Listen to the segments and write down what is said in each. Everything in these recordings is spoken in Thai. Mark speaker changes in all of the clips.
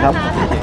Speaker 1: ครับ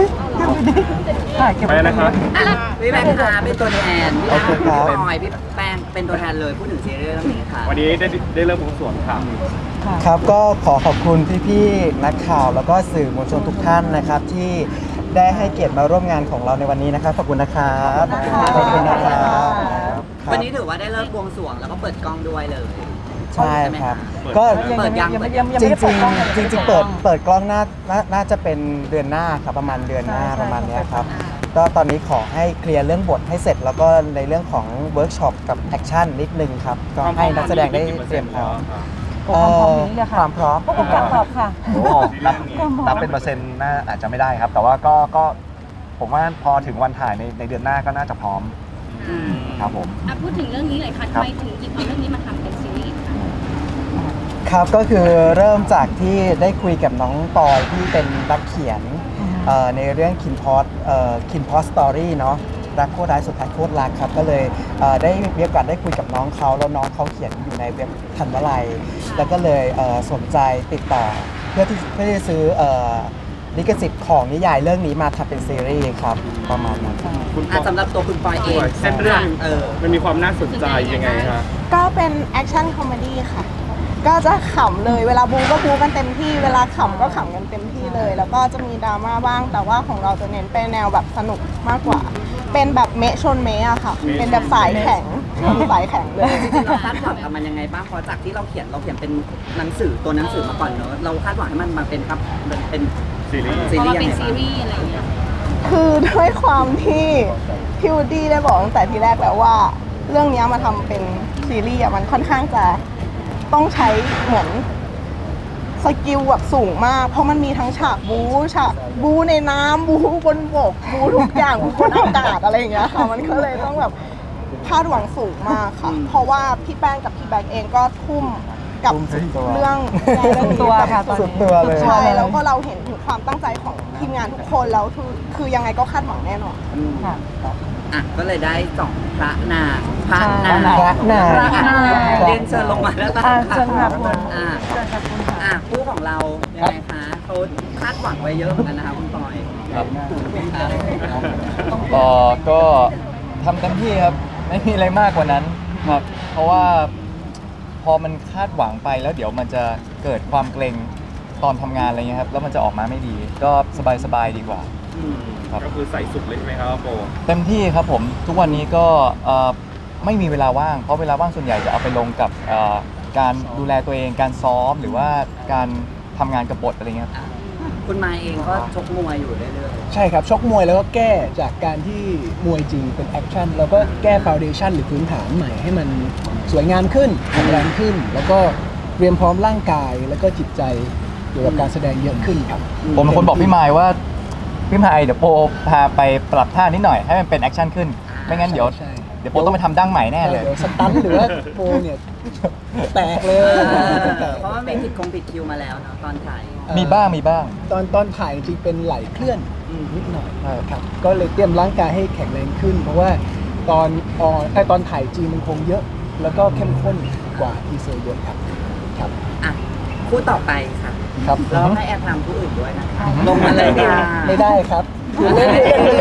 Speaker 2: ไปนะครับ
Speaker 3: พี่แบงค์ค่ะเป็นตัวแทนพี่อาร์พี่บอยพี่แป้งเป็นตัวแทนเลยพูดถึงซีรีส์เรื่องนี้ค่ะ
Speaker 2: วันนี้ได้เริ่มบวงสรวงค่ะ
Speaker 1: ครับก็ขอบคุณพี่ๆนักข่าวแล้วก็สื่อมวลชนทุกท่านนะครับที่ได้ให้เกียรติมาร่วมงานของเราในวันนี้นะครับขอบคุณนะครับขอบคุณนะครับครับ
Speaker 3: วันนี้ถือว่าได้เริ่มบวงสรวงแล้วก็เปิดกล้องด้วยเลย
Speaker 1: ใช่ครับก็
Speaker 3: เปิดยัง
Speaker 1: จริงๆเปิดกล้องน่าจะเป็นเดือนหน้าครับประมาณเดือนหน้าประมาณเนี้ยครับก็ตอนนี้ขอให้เคลียร์เรื่องบทให้เสร็จแล้วก็ในเรื่องของเวิร์กช็อปกับแอคชั่นนิดนึงครับก็ให้นักแสดงได้เตรียมพร้อมความพร้อม
Speaker 4: ผู้กำกับตอบค่ะ
Speaker 5: โอ้นับเป็นเปอร์เซ็นต์น่าอาจจะไม่ได้ครับ แต่ว่าก็ผมว่าพอถึงวันถ่ายในเดือนหน้าก็น่าจะพร้อมครับผม
Speaker 6: พูดถึงเรื่องนี้หน่อยค่ะทำไมถึงหยิบเอาเรื่องนี้มาทำเป็นซีรีส์ค่ะ
Speaker 1: ครับก็คือเริ่มจากที่ได้คุยกับน้องปอยที่เป็นนักเขียนในเรื่องคินพอสตอรี่เนาะรักโคตรร้ายสุดท้ายโคตรรักครับก็เลยได้มีโอกาสได้คุยกับน้องเขาแล้วน้องเขาเขียนอยู่ในเว็บทันวลัยแล้วก็เลยสนใจติดต่อเพื่อที่จะซื้อลิขสิทธิ์ของนิยายเรื่องนี้มาทำเป็นซีรีส์ครับประมาณนั้น
Speaker 3: สำหรับตัวคุณปอยเอง
Speaker 2: เส้นเรื่องมันมีความน่าสนใจยังไงคะ
Speaker 4: ก็เป็นแอคชั่นคอมเมดี้ค่ะ ก็จะขำเลยเวลาบูก็บูกันเต็มที่เวลาขำก็ขำกันเต็มที่เลย แล้วก็จะมีดราม่าบ้างแต่ว่าของเราจะเน้นเป็นแนวแบบสนุกมากกว่า เป็นแบบเมะชนเมะอะค่ะ เป็นแบบสายแข็งสายแข็งเลย
Speaker 3: จริงๆเราคาดหวังกับมันยังไงบ้างเพราะจากที่เราเขียนเป็นหนังสือตัวหนังสือมาก่อนเนอะเราคาดหวังให้มันมาเป็นครับเป็น
Speaker 2: ซีรีส์
Speaker 3: ซี
Speaker 6: พอ
Speaker 3: รี
Speaker 6: มา
Speaker 3: ส์ยัง
Speaker 6: เป็น
Speaker 3: ไง
Speaker 6: ซี
Speaker 3: บ้าง
Speaker 6: รีส์อะไรอย่างเงี้ย
Speaker 4: คือด้วยความที่พี่วูดดี้ได้บอกตั้งแต่ทีแรกแล้วว่า เรื่องนี้มาทำเป็นซีรีส์อะมันค่อนข้างจะต้องใช้เหมือนสกิลแบบสูงมาก เพราะมันมีทั้งฉากบูในน้ำบูบนบกบูทุกอย่างบูบนอากาศอะไรอย่างเงี้ยค่ะมันก็เลยต้องแบบคาดหวังสูงมากค่ะ เพราะว่าพี่แป้งกับพี่แบ็กเองก็ทุ่มกับ
Speaker 1: ทุ่มสุดตัว
Speaker 4: เรื่อง
Speaker 1: สุดตัวค่ะตอนนี้สุดตัวเลย
Speaker 4: ใช่แล้วก็เราเห็นถึงความตั้งใจของทีมงานทุกคนแล้วคือยังไงก็คาดหวังแน่นอน
Speaker 3: ก็เลยได้สองพระนางพระนาง
Speaker 1: พระนาง
Speaker 3: เรียนเชิญลงมาแล้วกัน
Speaker 4: เชิญค่ะคุณ
Speaker 3: คู่ของเรายังไงคะเขาคาดหวังไว้เยอะเหมือนกันนะคะคุณปอย
Speaker 5: ครับก็ทำเต็มที่ครับไม่มีอะไรมากกว่านั้นครับเพราะว่าพอมันคาดหวังไปแล้วเดี๋ยวมันจะเกิดความเกรงตอนทำงานอะไรเงี้ยครับแล้วมันจะออกมาไม่ดีก็สบายดีกว่า ครับ
Speaker 2: ก็คือใส่สุดเลยใช่ไหมครับโป
Speaker 5: เต็มที่ครับผมทุกวันนี้ก็ไม่มีเวลาว่างเพราะเวลาว่างส่วนใหญ่จะเอาไปลงกับการดูแลตัวเองการซ้อมหรือว่าการทำงานกับบทอะไรเงี้ยครับ
Speaker 3: คุณมาเองก็ชกมวยอยู่เรื่อย
Speaker 7: ใช่ครับชกมวยแล้วก็แก้จากการที่มวยจริงเป็นแอคชั่นแล้วก็แก้ฟาวเดชั่นหรือพื้นฐานใหม่ให้มันสวยงามขึ้นแข็งแรงขึ้น แล้วก็เตรียมพร้อมร่างกายแล้วก็จิตใจเกี่ยวกับการแสดงเยอะขึ้นครับ
Speaker 5: ผมเป็นคนบอกพี่มายว่าพี่มายเดี๋ยวโปพาไปปรับท่านิดหน่อยให้มันเป็นแอคชั่นขึ้นไม่งั้นเดี๋ยว
Speaker 7: ใช่
Speaker 5: โปต้องไปทำดั้งใหม่แน่เลย
Speaker 7: เดี๋ยวสตันหรือว่าโปเนี่ยแตกเลย
Speaker 3: เพราะว่ามีผิดคิวมาแล้วเนาะตอนถ่าย
Speaker 5: มีบ้าง
Speaker 7: ตอนถ่ายจริงๆเป็นไหลเคลื่อน นิดหน่อย
Speaker 5: ใช่
Speaker 7: ครับก็เลยเตรียมร่างกายให้แข็งแรงขึ้น เพราะว่าตอนถ่ายจริงมันคงเยอะ แล้วก็เข้มข้นกว่าทีเซอร์เยอะครับครับ
Speaker 3: คู่ต่อไปค่ะ
Speaker 5: ครับ
Speaker 3: เราให้แอร์ทำคู่อื่นด้วยนะลงมาเลยค่ะ
Speaker 7: ไม่ได้ครับเล่น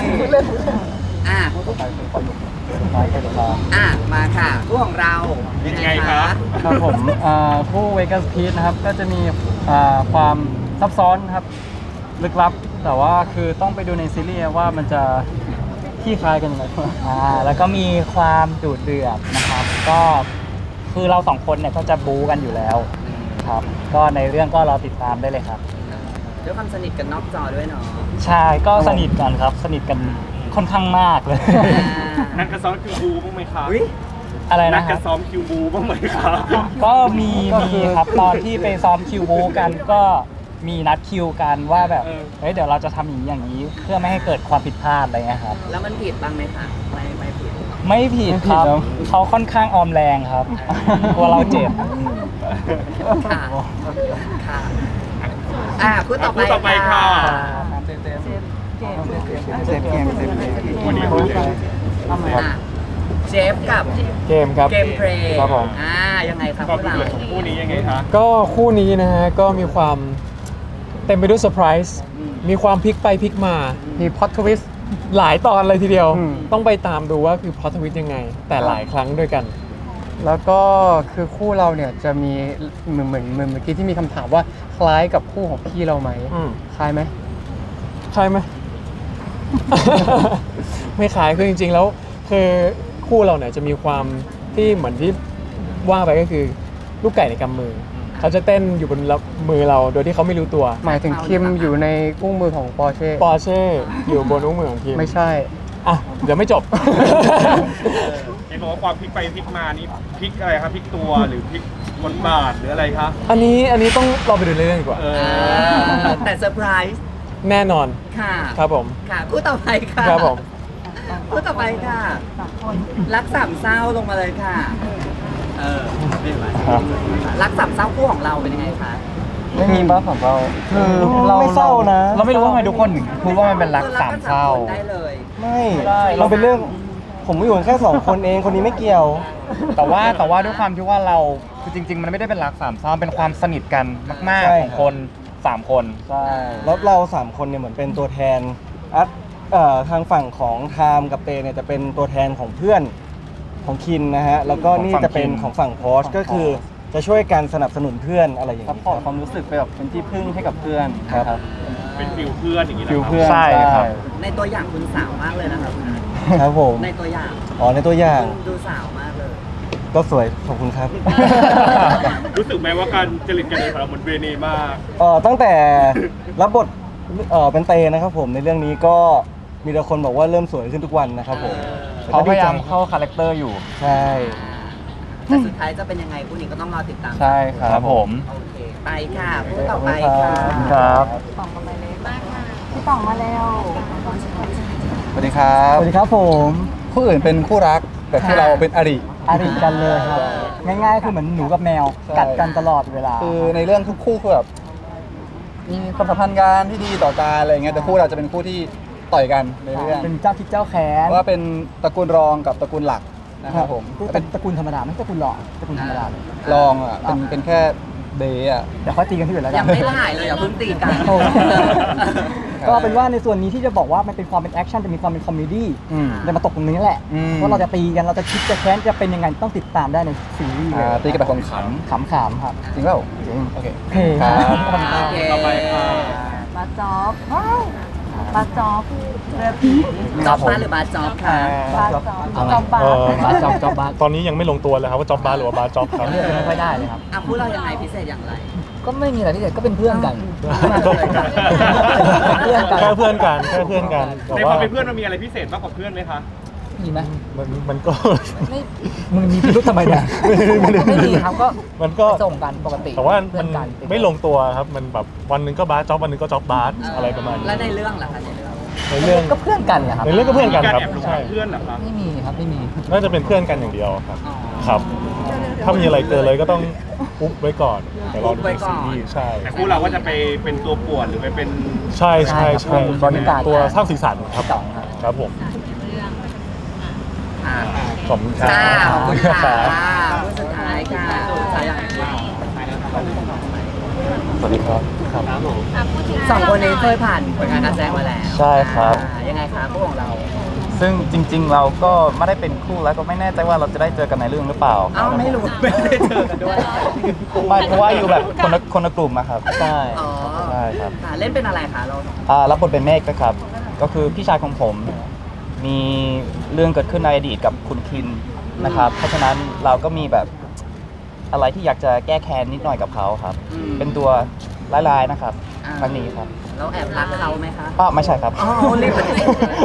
Speaker 3: มาค่ะคู่ของเรายังไงคะ
Speaker 8: ครับผมคู่เวกัสพีชนะครับก็จะมีความซับซ้อนครับลึกลับ แต่ว่าคือต้องไปดูในซีรีส์ว่ามันจะขี้คลายกันยังไง
Speaker 9: แล้วก็มีความดุเดือดนะครับ ก็คือเราสองคนเนี่ยก็จะบู๊กันอยู่แล้วครับก็ในเรื่องก็รอติดตามได้เลยครับ
Speaker 3: ด้วยความสนิทกันนอกจอด้วยเนาะ
Speaker 9: ใช่ก็สนิทกันครับสนิทกันค่อนข้างมากเลย
Speaker 2: นักกระซ้อมคิวบูบ้างไหมครับ
Speaker 9: อะไร
Speaker 2: นั
Speaker 9: นะ
Speaker 2: ก
Speaker 9: ค
Speaker 2: ก
Speaker 9: รั
Speaker 2: ระ
Speaker 9: บ
Speaker 2: ซ้อมคิวบูบ้างไหมครับ
Speaker 9: ก็มีครับตอนที่ไปซ้อมคิวบูกันก็มีนัดคิวกันว่าแบบเฮ้ยเดี๋ยวเราจะทำอย่างนี้เพื่อไม่ให้เกิดความผิดพลาดอะไรเงี้ยครับ
Speaker 3: แล้วมันผิดบ้างไหมคะไม่ผิด
Speaker 9: ไม่ผิดครับเขาค่อนข้างออมแรงครับกลัวเราเจ็บ
Speaker 3: ค่ะคู่ต่อไปค่ะ
Speaker 2: วันนี้คู่เจม
Speaker 3: เจฟกับ
Speaker 5: เกมครับ
Speaker 3: เกมเพลย์
Speaker 5: ครับผม
Speaker 3: ยังไงครับ
Speaker 2: ก็
Speaker 3: พวกเรา
Speaker 2: เดือดคู่นี้ยังไงคะ
Speaker 8: ก็คู่นี้นะฮะก็มีความเต็มไปด้วยเซอร์ไพรส์
Speaker 10: มีความพลิกไปพลิกมา มีพล็อตทวิสต์หลายตอนเลยทีเดียว
Speaker 1: อืม
Speaker 10: ต้องไปตามดูว่าคือพล็อตทวิสต์ยังไง แต่หลายครั้งด้วยกัน
Speaker 8: แล้วก็คือคู่เราเนี่ยจะมีเหมือนเมื่อกี้ที่มีคำถามว่าคล้ายกับคู่ของพี่เราไหม
Speaker 10: อืม
Speaker 8: คล้ายไหม
Speaker 10: ใช่ไหม ไม่ขายคือจริงๆแล้วคือคู่เราเนี่ยจะมีความที่เหมือนที่ว่าไปก็คือลูกไก่ในกำมือ เขาจะเต้นอยู่บนมือเราโดยที่เขาไม่รู้ตัว
Speaker 8: หมายถึงคิมอยู่ในอุ้งมือของปอร์เช่
Speaker 10: ปอร์เช่อยู่บนอุ้งมือของทีม
Speaker 8: ไม่ใช่
Speaker 10: อ่ะเดี๋ยวไม่จบ
Speaker 2: เห็นบอกว่าความพลิกไปพลิกมานี่พลิกอะไรครับพลิกตัวหรือพลิกบทบาทหรืออะไรคะ
Speaker 10: อันนี้ต้องรอไปดูเรื่องดีกว่า
Speaker 3: แต่เซอร์ไพรส์
Speaker 10: แน่นอน
Speaker 3: ค่ะ
Speaker 10: ครับผม
Speaker 3: ค่ะคู่ต่อไปค่ะ
Speaker 10: ครับผม
Speaker 3: คู่ต่อไปค่ะ รักสามเศร้าลงมาเลยค่ะ รักสามเศร้าคู่ของเราเป็นยังไงคะ
Speaker 5: ไม่มีบ้าของเรา
Speaker 1: คือไม่เศร้านะ
Speaker 5: เราไม่รู้ว่าทำไมทุกคนถึงพูดว่ามันเป็นรักสามเศร้า
Speaker 3: คนได้เลย
Speaker 1: ไม่มันเป็นเรื่องผมอยู่กันแค่2 คนเองคนนี้ไม่เกี่ยว
Speaker 5: แต่ว่าด้วยความที่ว่าเราคือจริง ๆ มันไม่ได้เป็นรักสามเศร้าเป็นความสนิทกันมาก
Speaker 1: ใช่
Speaker 5: ๆของคน3 คน
Speaker 10: ใช่
Speaker 1: แล้วเรา3 คนเนี่ยเหมือนเป็นตัวแทนทางฝั่งของไทม์กับเตเนี่ยจะเป็นตัวแทนของเพื่อนของคินนะฮะแล้วก็นี่จะเป็นของฝั่งพอชก็คือจะช่วยกันสนับสนุนเพื่อนอะไรอย่าง
Speaker 8: ซัพ
Speaker 1: นี้
Speaker 8: พอร์ตความรู้สึกไปแบบเป็นที่พึ่งให้กับเพื่อน
Speaker 1: ครับ
Speaker 2: เป็นฟิลเพื่อนอย่างนี้นะ
Speaker 8: ฟิล
Speaker 2: ครับ
Speaker 8: เพื่อน
Speaker 5: ใช่ครับ
Speaker 3: ในตัวอย่างคุณสาวมากเลยนะครับ
Speaker 1: ครับผม
Speaker 3: ในตัวอย่าง
Speaker 1: อ๋อในตัวอย่าง
Speaker 3: คุณดูสาวมากเลย
Speaker 1: ก็สวยขอบคุณครับ
Speaker 2: รู้สึกไหมว่าการจริตกันเดินของเราเหมือนเวเนมาก
Speaker 1: ตั้งแต่รับบทเป็นเตนะครับผมในเรื่องนี้ก็มีแต่คนบอกว่าเริ่มสวยขึ้นทุกวันนะครับผม
Speaker 5: เขาพยายามเข้าคาแรคเตอร์อยู่
Speaker 1: ใช่
Speaker 3: แต่สุดท้ายจะเป็นยังไงคู่นี้ก็ต้องรอติดตาม
Speaker 8: ใช่ค
Speaker 5: ค
Speaker 8: รั
Speaker 5: รั
Speaker 8: บบ
Speaker 5: ผม
Speaker 3: โอเค ไปค่ะคู่ต่อไปค่ะ
Speaker 5: ครับ
Speaker 4: พี่ต่องมาแล้ว
Speaker 5: สวัสดีครับ
Speaker 1: สวัสดีครับผม
Speaker 5: คู่อื่นเป็นคู่รัก แต่คู่เราเป็นอริ
Speaker 1: อาริกันเลยครับ ง่ายๆคือเหมือนหนูกับแมว
Speaker 5: ใช่
Speaker 1: กัดกันตลอดเวลา
Speaker 5: คือในเรื่องทุกคู่คือแบบมีความสัมพันธ์กันที่ดีต่อกันอะไรอย่างเงี้ยแต่คู่เราจะเป็นคู่ที่ต่อยกันในเรื่อง
Speaker 1: เป็นเจ้าคิดเจ้าแค้น
Speaker 5: ว่าเป็นตระกูลรองกับตระกูลหลักนะครับผม
Speaker 1: เป็นตระกูลธรรมดาไม่ใช่ตระกูลหล่อตระกูลธรรมดาเลย
Speaker 5: รองอ่ะเป็นแค่เดย์อ่ะ
Speaker 1: เดี๋ยวเขาตีกันที่อื่นแล้วกั
Speaker 3: ยังไม่ถ่ายเลยอย่าเพิ่งตีกัน
Speaker 1: โอ้ก็เป็นว่าในส่วนนี้ที่จะบอกว่ามันเป็นความเป็นแอคชั่นจะมีความเป็นคอมเมดี้
Speaker 5: อืม
Speaker 1: จะมาตกตรงนี้แหละ
Speaker 5: อืม
Speaker 1: ว่าเราจะตีกันเราจะคิดจะแค้นจะเป็นยังไงต้องติดตามได้ในซีรีส์เลย
Speaker 5: ตีกันแบบขำ
Speaker 1: ขำๆครับ
Speaker 5: ๆจริงเปล่า
Speaker 1: จริง
Speaker 5: โอเค
Speaker 1: โอเค
Speaker 5: ครับ
Speaker 3: โอเค
Speaker 2: ต่อไปค่ะ
Speaker 4: บาจ๊อบปาจ๊อบเรือผี
Speaker 3: จ๊อบบ้านหรือบาจ๊อบค่ะ
Speaker 4: บาจ๊อบจ๊อบบา
Speaker 10: บาสจ็อบตอนนี้ยังไม่ลงตัวเลยครับว่าจ็อบบาสหรือว่าบาสจ็อบครับ
Speaker 1: เลือกกันไม่ค่อยได้เลยครับ
Speaker 3: อ่ะคู่เรายังไงพิเศษอย่างไร
Speaker 1: ก็ไม่มีอะไรที่เด็ดก็เป็นเพื่อนกัน
Speaker 10: แค่เพื่อนกันแค่เพื่อนกันแต่
Speaker 2: ในความเป็นเพื่อนมันมีอะไรพิเศษมากกว่าเพื่อนไหมคะ
Speaker 1: มีไหม
Speaker 10: มันก็
Speaker 1: ไม่มึงมีพิรุธทำไมเนี่ยไม่มีครับก็
Speaker 10: มันก็
Speaker 1: ส่งกันปกติ
Speaker 10: แต่ว่า
Speaker 1: เพื่
Speaker 10: มั
Speaker 1: อน นกัน
Speaker 10: ไม่ลงตัวครับมันแบบวันหนึงก็บาสจ็อบวันหนึงก็จ็อบบาสอะไรประมาณนี้
Speaker 3: แล้วในเรื่องล่ะคะในเรื่อง
Speaker 10: ในเรื่อง
Speaker 1: ก็เพื่อนกันแหละครับ
Speaker 10: ในเรื่องก็เพื่อนกัน
Speaker 2: การ
Speaker 10: ครับ
Speaker 2: แอบหลง
Speaker 10: ใช่
Speaker 2: รักเพื่อนเหรอครับ
Speaker 1: ไม่มีครับไม่มี
Speaker 10: น่าจะเป็นเพื่อนกันอย่างเดียวครับ
Speaker 3: อ๋อ
Speaker 10: ครับ ถ้ามีอะไรเกินเลยก็ต้องอุ๊บไว้ก่อนเดี๋ยวรอดูในซีรีส์ใช่
Speaker 2: แต่คู่เราก็จะไปเป็นตัวป่วนหรือไปเป็น
Speaker 10: ใช่ใช่ใช่
Speaker 1: บริการ
Speaker 10: ตัวสร้างสีสันครับ
Speaker 1: สองครับ
Speaker 10: ครับผม
Speaker 3: อ่ะ
Speaker 10: ขอบคุณครับ
Speaker 3: ค่ะขอบคุณค่ะ
Speaker 10: ครับ
Speaker 3: คู่สุดท้ายค่ะสุดท้ายอย่างไร
Speaker 5: สวัสดีครับ
Speaker 3: สองคนนี้เคยผ่านผลงานการแสดงมาแล้ว
Speaker 5: ใช่ครับ
Speaker 3: ยังไงคะคู่ของเรา
Speaker 5: ซึ่งจริง ๆ เราก็ไม่ได้เป็นคู่แล้วก็ไม่แน่ใจว่าเราจะได้เจอกันในเรื่องหรือเปล่า
Speaker 3: เอ้าไม่รู้ไม่ได้เจอกันด้วย
Speaker 5: ไม่เพราะว่าอยู่แบบคนละกลุ่มอะครับ
Speaker 1: ใช่
Speaker 3: อ๋อ
Speaker 5: ใช่ครับ
Speaker 3: ค่ะเล่นเป็นอะไรคะเรา
Speaker 5: รับบทเป็นเมฆนะครับ ก็คือพี่ชายของผม มีเรื่องเกิดขึ้นในอดีตกับคุณคินนะครับ เพราะฉะนั้นเราก็มีแบบอะไรที่อยากจะแก้แค้นนิดหน่อยกับเขาครับ เป็นตัวร้ายๆนะครับครั้งนี้ครับ
Speaker 3: เราแอบรักเขาไหมคะ
Speaker 5: ไม่ใช่ครับ
Speaker 3: อ๋อรีบปฏิเสธ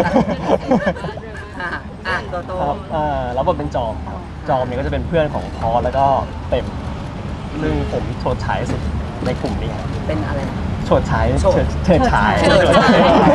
Speaker 3: ค่ะอ่ะโตโต
Speaker 8: ครับรับบทเป็นจอมครับจอมเนี่ยก็จะเป็นเพื่อนของพอสแล้วก็เต็มซึ่งผมโฉดฉายสุดในกลุ่มนี้ครับ
Speaker 3: เป็นอะไรนะ
Speaker 8: โฉดฉายเฉิดฉาย
Speaker 3: เฉิดฉาย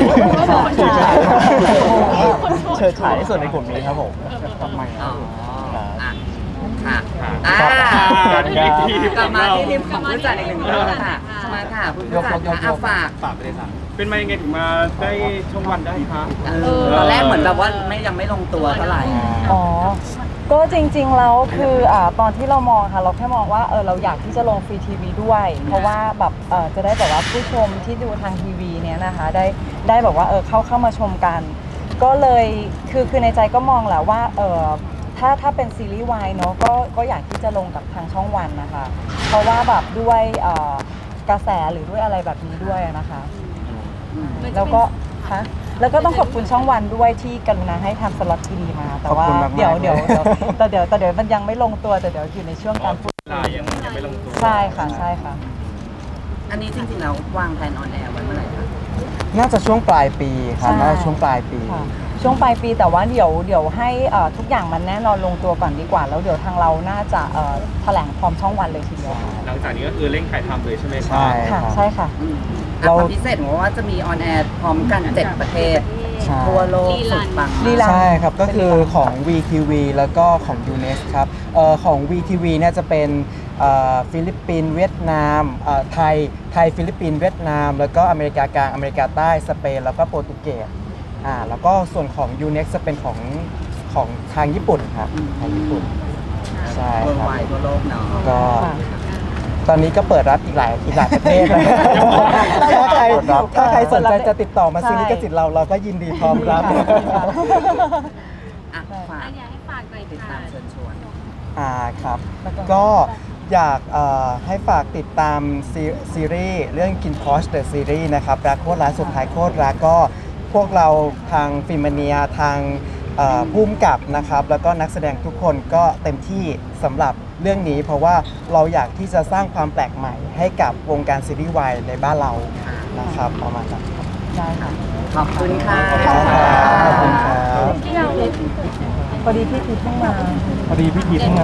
Speaker 8: เฉิดฉายที่สุดในกลุ่มนี้ครับผม
Speaker 3: อ๋ออ่ะค่ะ
Speaker 2: ครับ
Speaker 3: อ่ะ
Speaker 2: ทีม
Speaker 3: กลับมา
Speaker 2: เรา
Speaker 3: ที่ทีมของผู้จัดอีกหนึ่งรอบค่ะมาค่ะผู้จัดค่ะฝาก
Speaker 2: ฝากไปเลยค่ะเป็นมายังไงถึงมาได้ช่องวันได้คะ
Speaker 3: ตอนแรกเหมือนแบบว่ายังไม่ลงตัวเท่าไหร่
Speaker 4: อ๋อ ก็จริงๆแล้วคือตอนที่เรามองค่ะเราแค่มองว่าเราอยากที่จะลงฟรีทีวีด้วย เพราะว่าแบบจะได้แบบว่าผู้ชมที่ดูทางทีวีเนี่ย
Speaker 11: นี้ยนะคะได้แบบว่าเข้ามาชมกัน ก็เลยคือในใจก็มองแหละว่าถ้าเป็นซีรีส์วายเนาะก็อยากที่จะลงกับทางช่องวันนะคะ เพราะว่าแบบด้วยกระแสหรือด้วยอะไรแบบนี้ด้วยนะคะแล้วก็ต้องขอบคุณช่องวันด้วยที่กรุณาให้ทำสล็อตดีๆมา แต่ว่า
Speaker 1: ขอบคุณมากๆ
Speaker 11: เดี๋ยว
Speaker 1: เลย
Speaker 11: แต่เดี๋ยวมันยังไม่ลงตัวแต่เดี๋ยวอยู่ในช่วงการพูด
Speaker 2: เวลายังไม่ลงตัว
Speaker 11: ใช่ค่ะใช่ค่ะ
Speaker 3: อันนี้จริงๆแล้ววางแผนออนแอร์ไว้เมื่อไหร่คะ
Speaker 1: น่าจะช่วงปลายปีครับ
Speaker 11: ใช่
Speaker 1: น่าจะช่วงปลายปี
Speaker 11: ค่ะช่วงปลายปีแต่ว่าเดี๋ยวให้ทุกอย่างมันแน่นอนลงตัวก่อนดีกว่า แล้วเดี๋ยวทางเราน่าจะแถลงพร้อมช่องวันเลยทีเดียว
Speaker 2: หลังจากนี้ก็คือเร่งถ่ายทำเลยใช่ไหมครั
Speaker 1: ใช่
Speaker 11: ค่ะ
Speaker 1: ครับ
Speaker 11: ใช่ค่ะ
Speaker 1: เรา
Speaker 3: ความพิเศษของว่าจะมีออนแอร์พร้อมกัน 7 ประเทศ
Speaker 1: ใช่
Speaker 3: ทั่วโลกสุดปัง
Speaker 11: ลีลา
Speaker 1: ใช่ครับ ก็คือของ VTV แล้วก็ของ UNEX ครับของ VTV เนี่ยจะเป็นฟิลิปปินส์เวียดนามไทยฟิลิปปินส์เวียดนาม แล้วก็อเมริกากลางอเมริกาใต้สเปนแล้วก็โปรตุเกสแล้วก็ส่วนของ UNEX จะเป็นของทางญี่ปุ่นครับทางญี่ปุ่นใช่
Speaker 3: เวิร์
Speaker 1: ครับ
Speaker 3: ไวทั่วโลกเนาะ
Speaker 1: ก็
Speaker 11: ค่ะ
Speaker 1: ตอนนี้ก็เปิดรับอีกหลายประเทศเลยถ้าใครสนใจจะติดต่อมาซื้อลิขสิทธิ์เราก็ยินดีพร้อมรับ
Speaker 3: อ่ะฝาก
Speaker 6: อยากให้ฝากหน่อย
Speaker 3: ติด
Speaker 6: ค่ะ
Speaker 3: ตามเชิญชวน
Speaker 1: ครับ ก็อยากให้ฝากติดตามซีรีส์เรื่อง Kin Posh The Series นะครับรักโคตรรักสุดท้ายโคตรรักก็พวกเราทางฟิล์มเนียทางผู้กำกับนะครับ แล้วก็นักแสดงทุกคนก็เต็มที่สำหรับเรื่องนี้ เพราะว่าเราอยากที่จะสร้างความแปลกใหม่ให้กับวงการซีรีส์วายในบ้านเรานะครับประมาณนั้นครับ
Speaker 11: ได้ค่ะ
Speaker 3: ขอบคุณค่ะ
Speaker 1: ขอบคุณครับ
Speaker 11: พอดีพี่พีทเพิ่งมา
Speaker 1: พอดีพี่พีท